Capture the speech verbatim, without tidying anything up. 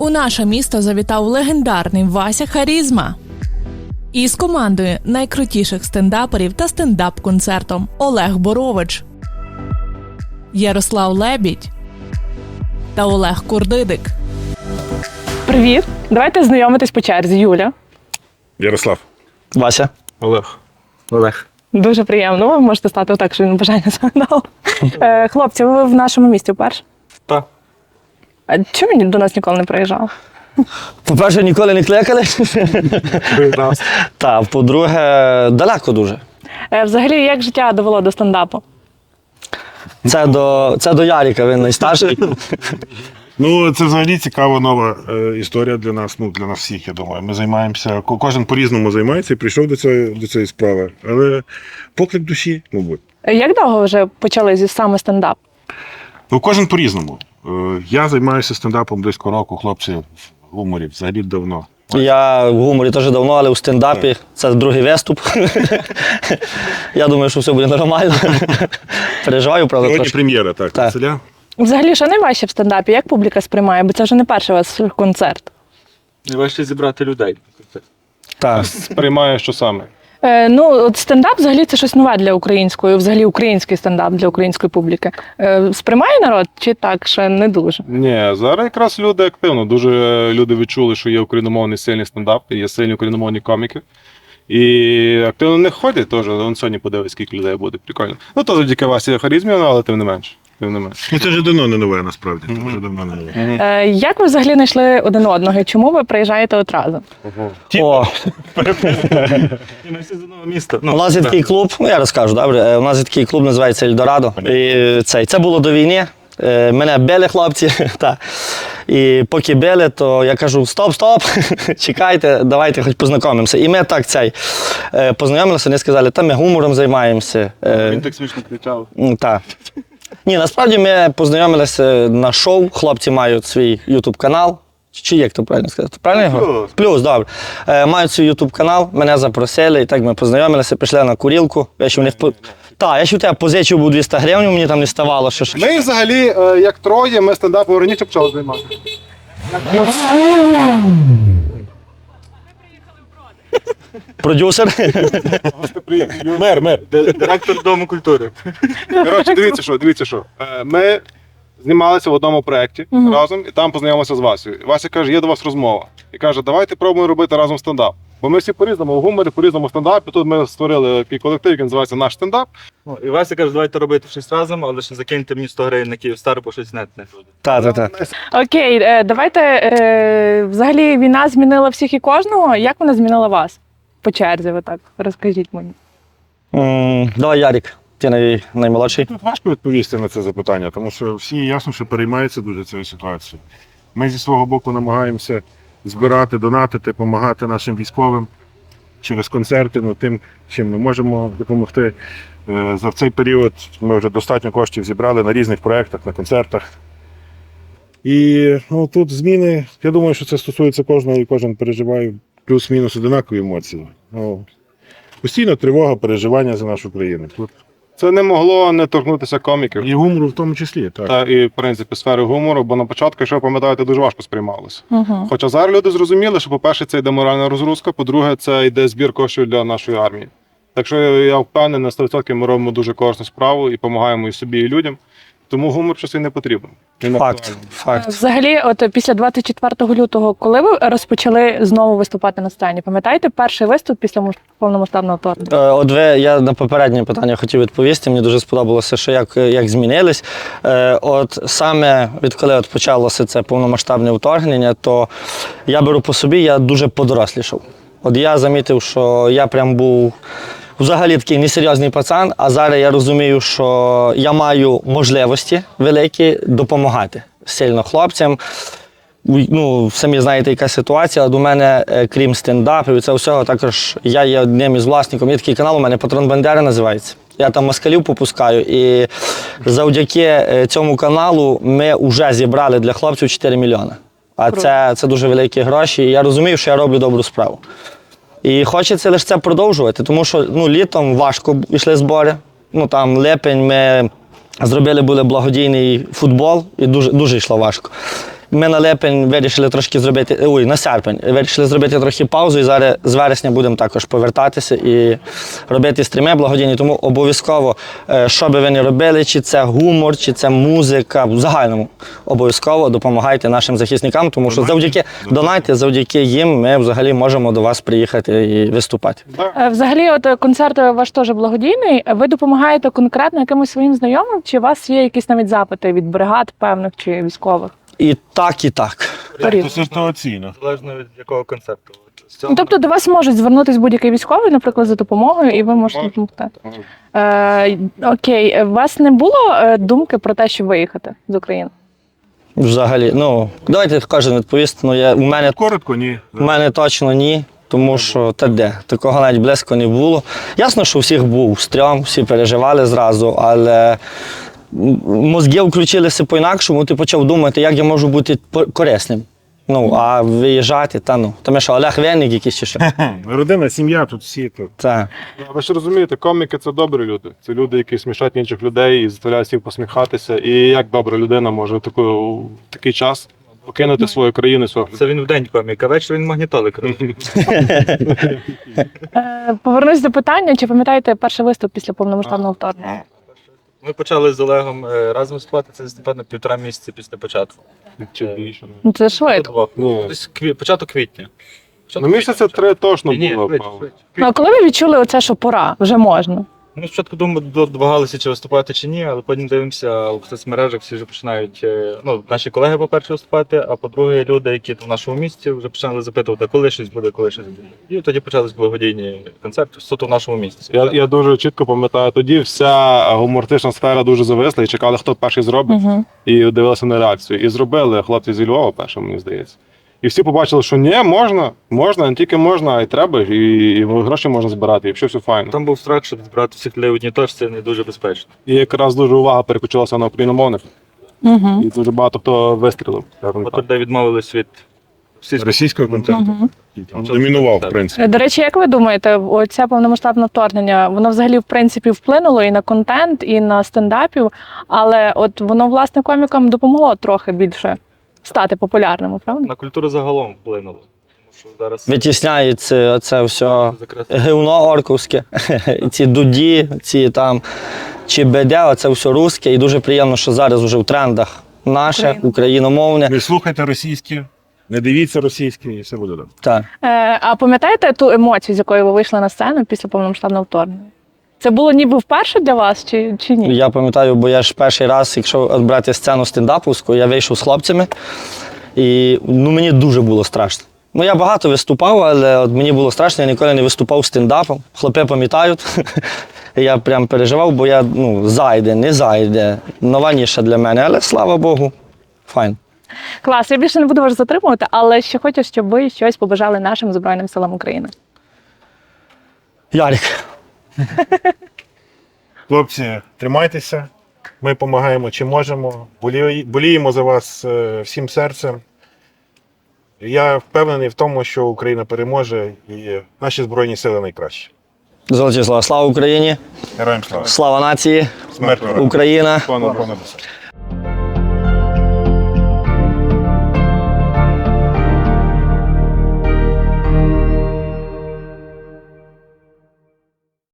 У наше місто завітав легендарний Вася Харізма. Із командою найкрутіших стендаперів та стендап-концертом Олег Борович, Ярослав Лебідь та Олег Курдидик. Привіт! Давайте знайомитись по черзі. Юля. Ярослав. Вася. Олег. Олег. Дуже приємно. Ви можете стати отак, що він бажання загадав. Е, хлопці, ви в нашому місті вперше? Так. А чому він до нас ніколи не приїжджав? По-перше, ніколи не кликали. Так, по-друге, далеко дуже. Е, взагалі, як життя довело до стендапу? Це до, це до Ярика, він найстарший. Ну, це взагалі цікава нова е, історія для нас, ну, для нас всіх, я думаю. Ми займаємося, ко- кожен по-різному займається і прийшов до цієї, до цієї справи. Але поклик душі, мабуть. Е, Як довго ви вже почали зі саме стендап? Ну, кожен по-різному. Е, я займаюся стендапом близько року, хлопці в гуморі, взагалі давно. Я в гуморі теж давно, але у стендапі це другий виступ. Я думаю, що все буде нормально. Переживаю, правда, Сьогодні трошки. прем'єра, так, Так. Василя. Взагалі, що найважче в стендапі? Як публіка сприймає? Бо це вже не перший у вас концерт. Найважче зібрати людей. Так. Сприймаю, що саме. Е, ну, от стендап взагалі це щось нове для української, взагалі український стендап для української публіки. Е, сприймає народ чи так, ще не дуже? Ні, зараз якраз люди активно. Дуже люди відчули, що є україномовний сильний стендап, є сильні україномовні коміки. І активно не ходять теж. Вон сьогодні подивись, скільки людей буде. Прикольно. Ну, то завдяки Васі Харізмі, але тим не менше. Тим не менше. Ну, це вже давно не нове, насправді. Це вже давно не нове. Е, як ви взагалі знайшли один одного? І чому ви приїжджаєте от разом? О, І ми всі з одного міста. у нас є такий клуб, ну я розкажу, добре. Е, У нас є такий клуб, називається Ельдорадо. І цей, це було до війни. Е, Мене били хлопці. Та. І поки били, то я кажу: стоп, стоп, чекайте, давайте хоч познайомимося. І ми так цей е, познайомилися, вони сказали, та ми гумором займаємося. Е, Він так смішно кричав. м, та. Ні, насправді ми познайомилися на шоу. Хлопці мають свій ютуб-канал. Чи як то правильно сказати? Правильно його? Плюс. Плюс, добре. Е, мають свій ютуб-канал, мене запросили, і так ми познайомилися, пішли на курілку. Я ще в них по... Так, я ще в тебе позичив був двісті гривень, мені там не ставало. Що... ж. Ми взагалі, е, як троє, ми стендапом раніше почали займатися. Продюсер. Мер, мер. Директор Дому культури. Коротше, дивіться що, дивіться що. Е, Ми знімалися в одному проєкті разом, і там познайомилися з Васею. І Вася каже, є до вас розмова. І каже, давайте пробуємо робити разом стендап. Бо ми всі по-різному в гуморі, по-різному в стендапі. Тут ми створили такий колектив, який називається «Наш стендап». Ну, і Вася каже, давайте робити щось разом, але ще закиньте мені сто гривень на Київстар, бо щось нет не буде. Так, так, так. Окей, е, давайте, е, взагалі війна змінила всіх і кожного. Як вона змінила вас? По черзі, ви так, розкажіть мені. М, Давай, Ярик, ти най... наймолодший. Тут важко відповісти на це запитання, тому що всі ясно, що переймаються дуже цією ситуацією. Ми зі свого боку намагаємося збирати, донатити, допомагати нашим військовим через концерти, ну, тим, чим ми можемо допомогти. Е, За цей період ми вже достатньо коштів зібрали на різних проєктах, на концертах. І ну, тут зміни, я думаю, що це стосується кожного, і кожен переживає плюс-мінус одинакові емоції. Ну, постійно тривога, переживання за нашу країну. Тут Це не могло не торкнутися коміків. і гумору в тому числі. Так. Та і, в принципі, сфери гумору, бо на початку, якщо ви пам'ятаєте, дуже важко сприймалося. Угу. Хоча зараз люди зрозуміли, що, по-перше, це йде моральна розгрузка, по-друге, це йде збір коштів для нашої армії. Так що я впевнений, на сто відсотків ми робимо дуже корисну справу і допомагаємо і собі, і людям. Тому гумор щось і не потрібен. Він Факт, актуальний. факт. Взагалі, от після двадцять четвертого лютого, коли ви розпочали знову виступати на сцені, пам'ятаєте перший виступ після муж- повномасштабного вторгнення? Е, От ви, я на попереднє питання хотів відповісти. Мені дуже сподобалося, що як, як змінились. Е, От саме відколи от почалося це повномасштабне вторгнення, то я беру по собі, я дуже подорослішав. От я замітив, що я прям був взагалі такий несерйозний пацан, а зараз я розумію, що я маю можливості великі допомагати сильно хлопцям. Ну, самі знаєте, яка ситуація. До мене, е, крім стендапів і це всього, також я є одним із власників. Є такий канал, у мене «Патрон Бандери» називається. Я там москалів попускаю. І завдяки е, цьому каналу ми вже зібрали для хлопців чотири мільйони. А це, це дуже великі гроші. І я розумію, що я роблю добру справу. І хочеться лише це продовжувати, тому що ну, літом важко йшли збори. Ну, там липень ми зробили були благодійний футбол і дуже, дуже йшло важко. ми на липень вирішили трошки зробити, ой, на серпень, вирішили зробити трохи паузу, і зараз з вересня будемо також повертатися і робити стріми благодійні. Тому обов'язково, е, що би ви не робили, чи це гумор, чи це музика, в загальному обов'язково допомагайте нашим захисникам, тому що завдяки донайте, завдяки їм ми взагалі можемо до вас приїхати і виступати. Е, Взагалі, от е, концерт ваш теж благодійний. Ви допомагаєте конкретно якимось своїм знайомим, чи у вас є якісь навіть запити від бригад певних чи військових? І так, і так. Порівняно. Це ситуаційно. Залежно від якого концерту. От з цього Ну, тобто до вас можуть звернутися будь-який військовий, наприклад, за допомогою, і ви можете Може. допомогти. Е, окей, у вас не було е, думки про те, щоб виїхати з України? Взагалі, ну, давайте кожен відповість. Ну, я, у мене Коротко, ні. У мене точно ні, тому що та де, такого навіть близько не було. Ясно, що у всіх був стрьом, всі переживали зразу, але м- мозги включилися по-інакшому, ти почав думати, як я можу бути по- корисним. Ну, а виїжджати, та ну. Тому що Олег Винник якийсь чи що. Родина, сім'я, тут всі тут. Та. Ви ж розумієте, коміки це добрі люди. Це люди, які смішать інших людей і заставляють всіх посміхатися. І як добра людина може в таку, в такий час покинути свою країну, свого Це він в день комік, а ввечері він магнітолик робить. Е, повернусь до питання, чи пам'ятаєте перший виступ після повномасштабного вторгнення? Ми почали з Олегом е, разом виступати, це напевно півтора місяці після початку. чи більше. Ну, це швидко. Ні. Десь кві- початок квітня. Ну, місяця три точно Ні, ні, було. швидше, Павло. швидше. Ну, а коли ви відчули оце, що пора, вже можна? Ми спочатку думали, домагалися, чи виступати, чи ні, але потім дивимося в соцмережах, всі вже починають, е, ну, наші колеги, по-перше, виступати, а по-друге, люди, які в нашому місті, вже почали запитувати, коли щось буде, коли щось буде. І тоді почались благодійні концерти суто в нашому місті. Я, я дуже чітко пам'ятаю, тоді вся гумористична сфера дуже зависла і чекали, хто перший зробить, Угу. і дивилися на реакцію. І зробили хлопці зі Львова першим, мені здається. І всі побачили, що ні, можна, можна, не тільки можна, а й треба, і, і гроші можна збирати, і все, все файно. Там був страх, що збирати всіх людей в одній точці не дуже безпечно. І якраз дуже увага переключилася на україномовних, Угу. і дуже багато хто вистрілив. скажімо От так. людей відмовились від всіх Російського концерту. Угу. Там домінував, в принципі. До речі, як ви думаєте, оце повномасштабне вторгнення, воно взагалі в принципі вплинуло і на контент, і на стендапів, але от воно власне комікам допомогло трохи більше стати популярними, правда? на культуру загалом вплинуло. Тому що зараз Витісняється це все якраз гівно орковське, ці дуді, ці там ЧБД, оце все русське. І дуже приємно, що зараз вже в трендах наше, Україна. україномовне. Не слухайте російське, не дивіться російське, і все буде добре. Так. Е, а пам'ятаєте ту емоцію, з якою ви вийшли на сцену після повномасштабного вторгнення? Це було ніби вперше для вас чи, чи ні? Я пам'ятаю, бо я ж перший раз, якщо от брати сцену стендаповську, я вийшов з хлопцями, і ну, мені дуже було страшно. Ну, я багато виступав, але от мені було страшно, я ніколи не виступав стендапом. Хлопці пам'ятають. Я прям переживав, бо я ну, зайде, не зайде. Нова ніша для мене, але слава Богу, файн. Клас, я більше не буду вас затримувати, але ще хочу, щоб ви щось побажали нашим Збройним силам України. Ярик. Хлопці, тримайтеся. Ми допомагаємо, чи можемо. Болі- Боліємо за вас е, всім серцем. Я впевнений в тому, що Україна переможе і наші Збройні сили найкращі. Золоті слова. Слава Україні! Героям слава! Слава нації! Смерть ворогам! Україна! Пане Пане Босе.